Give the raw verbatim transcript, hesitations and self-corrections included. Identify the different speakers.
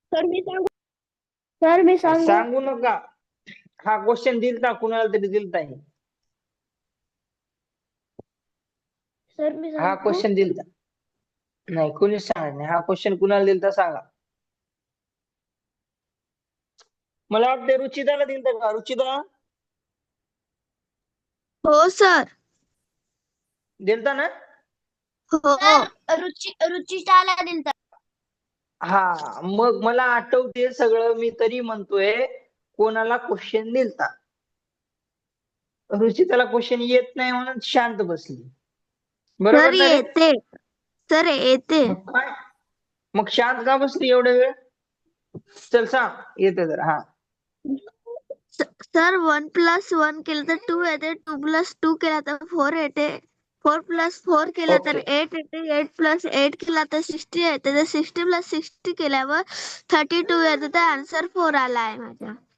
Speaker 1: Sir मी सांगू sir मी सांगू
Speaker 2: सांगू नका. हा क्वेश्चन दिलता कुणाला तरी दिलता हे.
Speaker 1: सर मी
Speaker 2: हा
Speaker 1: सांगू
Speaker 2: क्वेश्चन दिलता. नाही कोणीच सांगत नाही. हा क्वेश्चन कुणाला दिलता सांगा. मला वाटतं रुचिताला दिलता का? रुचिता
Speaker 3: हो सर.
Speaker 2: दिलता ना?
Speaker 3: हो.
Speaker 1: रुचि रुचिताला दिलता.
Speaker 2: हा मग मला आठवते सगळं. मी तरी म्हणतोय कोणाला क्वेश्चन दिलता. रुचिताला क्वेश्चन येत नाही म्हणून शांत बसली.
Speaker 3: सर
Speaker 2: बरोबर ना रे?
Speaker 3: येते. सर येते.
Speaker 2: मग काय? मग शांत का बसली एवढा वेळ? चल सांग येते तर. हा
Speaker 3: सर वन प्लस वन केलं तर टू येते. टू प्लस टू केला तर फोर येते. फोर प्लस फोर केला तर
Speaker 2: ओके.
Speaker 3: एट येते. एट प्लस एट केला तर सिक्स्टी येते. तर सिक्स्टी प्लस सिक्स्टी केल्यावर थर्टी टू येते. तर आन्सर फोर आला आहे माझा.